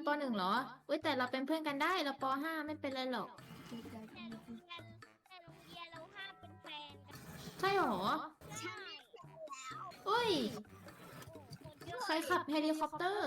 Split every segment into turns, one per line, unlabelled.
.1เหรอเว้ยแต่เราเป็นเพื่อนกันได้เราป.5ไม่เป็นไรหรอก
แต่โรงเรียนเราห้ามเป็นแฟนกัน
ใช่หรอ
ใช่
เอ้ย
คนเยอะ
ใครขับเฮลิคอปเตอร์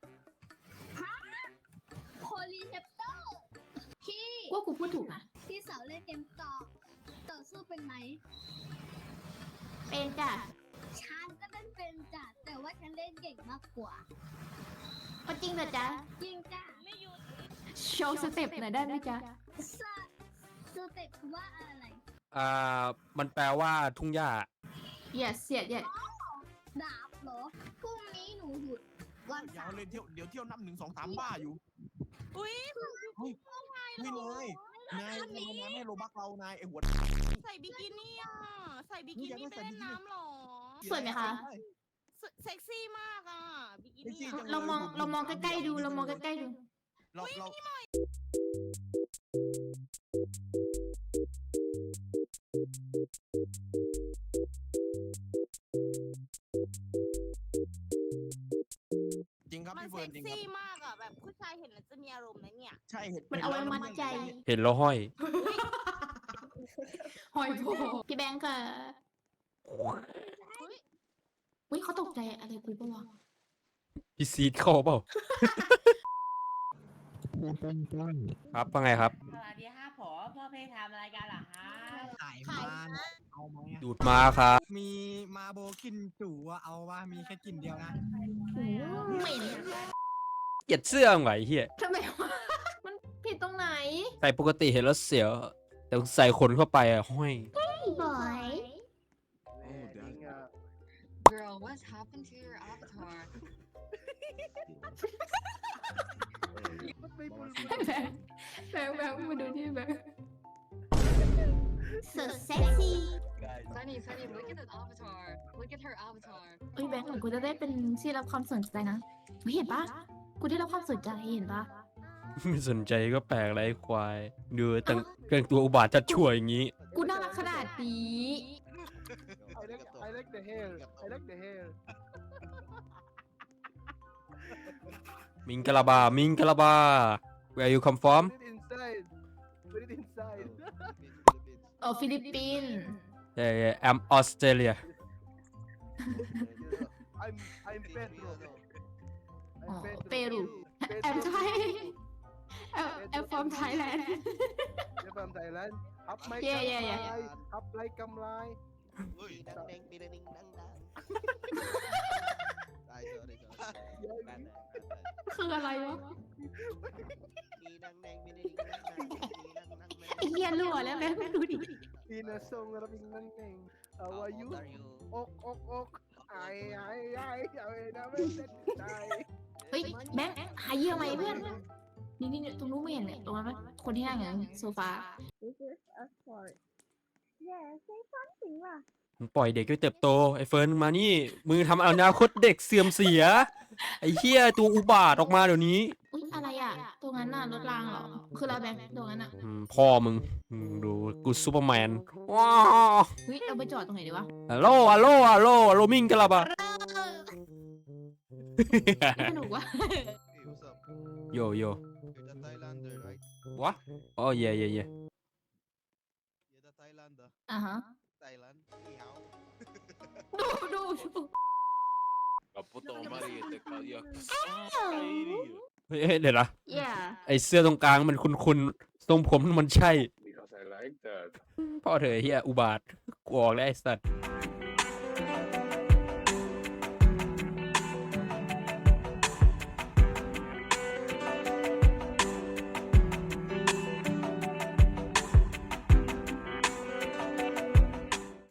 โพลีเซปเตอร์พี่
ว่ากูพูดถูกนะ
พี่สาวเล่นเกมต่อสู้เป็นไหม
เป็นจ้ะ
ฉันก็เล่นเป็นจ้ะแต่ว่าฉันเล่นเก่งมากกว่า
ก็จริงเหรอจ๊ะ
จริงจ้ะไม่หยุด
โชว์สเต็ปหน่อยได้ไหมจ๊ะ
สเต็ปว่าอะไร
มันแปลว่าทุ่งหญ้า
yes yes yes
ดาบเหรอพรุ่งนี้หนูหยุดวัน
ยา
เสาว ร์
เลยเที่ยวนับ1 2 3บ้าอยู่
อุ้ย
ไม่เลยนายไม่โลบักเรานายไอหัว
ใส่บิกินี่อ่ะ ใส่บิกินี่ไปเล่นน้ำหรอ
สวยไหมคะ
เซ็กซี่มากอ่ะ บิกินี่
เรามองใกล้ๆดูเรามองใกล้ๆดู
เราจริงครับ
มัน
พี่เฟิ
เซ็
ร์น
ก
จริงครั
ซี่
บ
มากอ่ะ แบบผู้ชายเห็นแล้วจะมีอารมณ์นะเนี่ย
ใช่เห็น
มันเอาไว้มัดใจ
เห็นแล้วห้อย
หอยโพพี่แบงค์ค่ะอุ้ยเขาตกใจอะไรกูปะวะ
พี่ซีดเข้าเปล่า ครับว่าไงครับ
สวัสดีค่ะพ่อเพทำอะไรกันเหรอคะ
ขายมันเอาไหมอะ
ดูดมาครับ
มีมาโบกินจู่อะเอาว่ามีแค่กลิ่นเดียวนะ
เหม็น
เกลียดเสื้อมึงไหวะไอ้เฮีย
ทำไมวะมันผิดตรงไหน
ใส่ปกติเห็นแล้วเสียว แต่ใส่ขนเข้าไปอะห้อย
บ่อย
Girl, what's happened to your avatar?
แบงค์มาดูที่แบงค์
so sexy
Sunny, Sunny, look at that avatar. Look at her avatar.
เอ้ยแบงค์เหมือนกูจะได้เป็นที่รับความสนใจนะเฮ้ยเห็นปะกูได้รับความสนใจเห็นปะ
ไม่สนใจก็แปลกไรควาย ดูแต่งตัวอุบาทจัดช่วยอย่างนี้
กูน่ารักขนาดนี้
I like the hair. I like the hair.
มิงกะลาบา มิงกะลาบา where you come from
Put it inside. Put it inside.
โอ้ฟิลิปปินส์
yeah I'm Australia
I'm Pedro.
อ๋อ
I'm
เปรูแอมไทยแอมฟอร์มไทยแลนด์
You're from Thailand. Up my
Yeah, yeah, yeah.
kamlay. Up like kamlay.
ดังเด้งปีเด้งดังดังได้เจอได้เจอ
คืออะไรวะ
มีดังเด้งปีเด้งดังดังมีดังดัง
ไอ้เหี้ยรั่วแล้วแบงค์ดูดิ
In a song rabing nang nang. How are you? Ok ok ok. Ay ay ay. Ay naman ay.
เฮ้ยแบงค์หาเยี่ยมไหมเพื่อนนี่ตรงนู้นไม่เห็นเลยตรงนั้นปะคนที่นั่งอย่างโซฟา
This is a sport Yeah say something ว่ะ
มึงปล่อยเด็กไปเติบโต ไอ้เฟิร์นมานี่ มือทำอนาคตเด็กเสื่อมเสีย ไอ้เฮียตัวอุบาทออกมาเดี๋ยวนี้
อุ้ยอะไรอ่ะตรงนั้นน่ะรถรางเหรอคือเราแบงค์ตรงนั้นอ่ะ
พ่อมึงดูกูซูเปอร์แมน ว้าว
เฮ้ยเราไปจอดตรงไหนดีวะ
ฮัลโหลฮัลโหลฮัลโหลฮัลโหลมิงกะลาบา
สนุกวะ
โยโย่
You're the Thailander, right?
วะอ๋อเย่เย่เย่
You're the Thailander.
อ่าฮะ
Thailand. Ni hao.
ดู
Caputo Mariette Kadia.
เฮ้ยเดี๋ยวนะ
yeah
ไอเสื้อตรงกลางมันคุณทรงผมมันใช่
Because I like that.
พ่อเธอเฮียอุบาทกูออกแล้วไอ้สัตว์